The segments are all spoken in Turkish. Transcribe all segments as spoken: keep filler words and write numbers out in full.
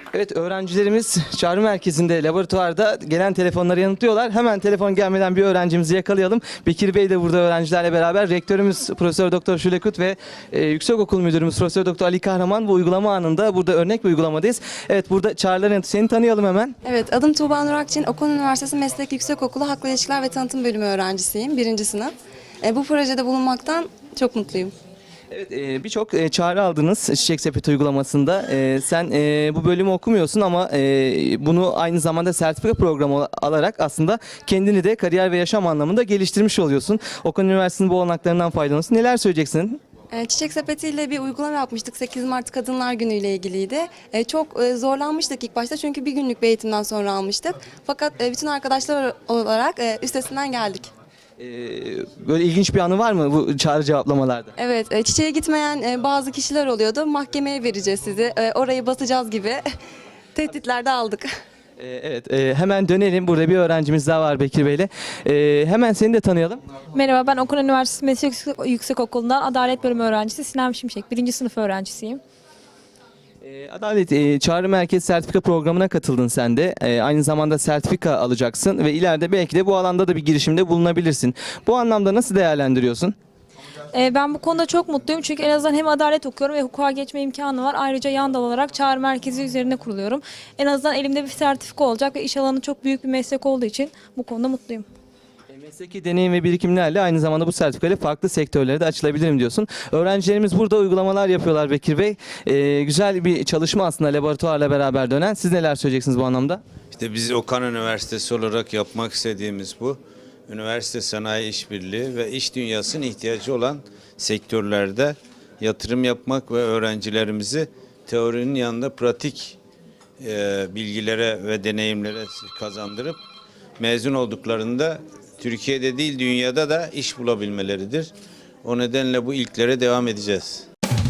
Evet, öğrencilerimiz çağrı merkezinde, laboratuvarda gelen telefonları yanıtlıyorlar. Hemen telefon gelmeden bir öğrencimizi yakalayalım. Bekir Bey de burada öğrencilerle beraber. Rektörümüz Profesör Doktor Şule Kut ve e, Yüksekokul Müdürümüz Profesör Doktor Ali Kahraman bu uygulama anında burada örnek bir uygulamadayız. Evet, burada çağrıların yanıtı. Seni tanıyalım hemen. Evet, adım Tuğba Nur Akçin. Okan Üniversitesi Meslek Yüksekokulu Halkla İlişkiler ve Tanıtım Bölümü öğrencisiyim. Birinci sınıf. E, bu projede bulunmaktan çok mutluyum. Evet, e, birçok e, çağrı aldınız Çiçek Sepeti uygulamasında. E, sen e, bu bölümü okumuyorsun ama e, bunu aynı zamanda sertifika programı alarak aslında kendini de kariyer ve yaşam anlamında geliştirmiş oluyorsun. Okan Üniversitesi'nin bu olanaklarından faydalanıyorsun. Neler söyleyeceksin? E, Çiçek Sepeti ile bir uygulama yapmıştık. sekiz Mart Kadınlar Günü ile ilgiliydi. E, çok e, zorlanmıştık ilk başta çünkü bir günlük bir eğitimden sonra almıştık. Fakat e, bütün arkadaşlar olarak e, üstesinden geldik. E, böyle ilginç bir anı var mı bu çağrı cevaplamalarda? Evet, e, çiçeğe gitmeyen e, bazı kişiler oluyordu. Mahkemeye vereceğiz sizi, e, orayı basacağız gibi tehditler de aldık. E, evet, e, hemen dönelim. Burada bir öğrencimiz daha var Bekir Bey'le. E, hemen seni de tanıyalım. Merhaba, ben Okan Üniversitesi Meslek Yüksekokulu'ndan Adalet Bölümü öğrencisi Sinem Şimşek. Birinci sınıf öğrencisiyim. E, Adalet e, Çağrı Merkez Sertifika Programı'na katıldın sen de. E, aynı zamanda sertifika alacaksın ve ileride belki de bu alanda da bir girişimde bulunabilirsin. Bu anlamda nasıl değerlendiriyorsun? Ee, ben bu konuda çok mutluyum çünkü en azından hem adalet okuyorum ve hukuka geçme imkanı var. Ayrıca yan dal olarak çağrı merkezi üzerine kuruluyorum. En azından elimde bir sertifika olacak ve iş alanı çok büyük bir meslek olduğu için bu konuda mutluyum. E, Mesleki deneyim ve birikimlerle aynı zamanda bu sertifikayla farklı sektörlere de açılabilirim diyorsun. Öğrencilerimiz burada uygulamalar yapıyorlar Bekir Bey. E, güzel bir çalışma aslında laboratuvarla beraber dönen. Siz neler söyleyeceksiniz bu anlamda? İşte biz Okan Üniversitesi olarak yapmak istediğimiz bu. Üniversite sanayi işbirliği ve iş dünyasının ihtiyacı olan sektörlerde yatırım yapmak ve öğrencilerimizi teorinin yanında pratik e, bilgilere ve deneyimlere kazandırıp mezun olduklarında Türkiye'de değil dünyada da iş bulabilmeleridir. O nedenle bu ilklere devam edeceğiz.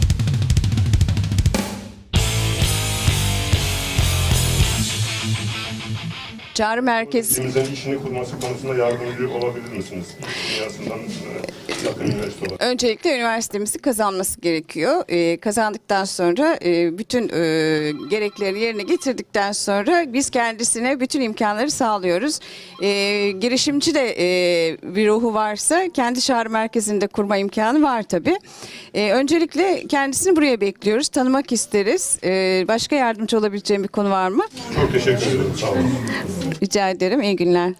Çağrı merkezi. Ülkemizin işini kurması konusunda yardımcı olabilir misiniz? Dünyasından e, yakın üniversite olarak. Öncelikle üniversitemizi kazanması gerekiyor. Ee, kazandıktan sonra e, bütün e, gerekleri yerine getirdikten sonra biz kendisine bütün imkanları sağlıyoruz. E, girişimci de e, bir ruhu varsa kendi çağrı merkezinde kurma imkanı var tabii. E, öncelikle kendisini buraya bekliyoruz. Tanımak isteriz. E, başka yardımcı olabileceğim bir konu var mı? Çok teşekkür ederim. Sağ olun. Rica ederim. İyi günler.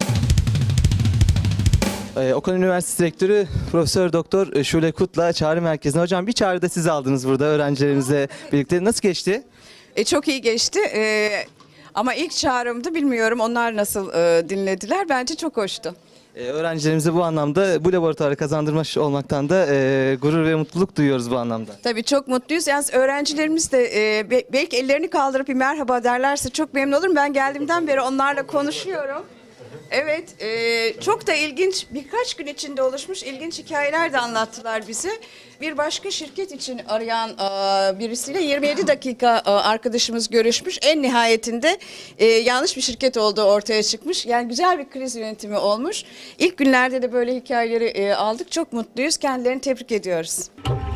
Ee, Okan Üniversitesi Rektörü Profesör Doktor Şule Kut'la çağrı merkezine. Hocam bir çağrı da siz aldınız burada öğrencilerimizle birlikte. Nasıl geçti? E, çok iyi geçti. E, ama ilk çağrımdı bilmiyorum onlar nasıl e, dinlediler. Bence çok hoştu. Ee, öğrencilerimize bu anlamda bu laboratuvarı kazandırmış olmaktan da e, gurur ve mutluluk duyuyoruz bu anlamda. Tabii çok mutluyuz. Yalnız öğrencilerimiz de e, be- belki ellerini kaldırıp bir merhaba derlerse çok memnun olurum. Ben geldiğimden beri onlarla konuşuyorum. Evet, e, çok da ilginç, birkaç gün içinde oluşmuş ilginç hikayeler de anlattılar bize. Bir başka şirket için arayan e, birisiyle yirmi yedi dakika e, arkadaşımız görüşmüş. En nihayetinde e, yanlış bir şirket olduğu ortaya çıkmış. Yani güzel bir kriz yönetimi olmuş. İlk günlerde de böyle hikayeleri e, aldık. Çok mutluyuz. Kendilerini tebrik ediyoruz.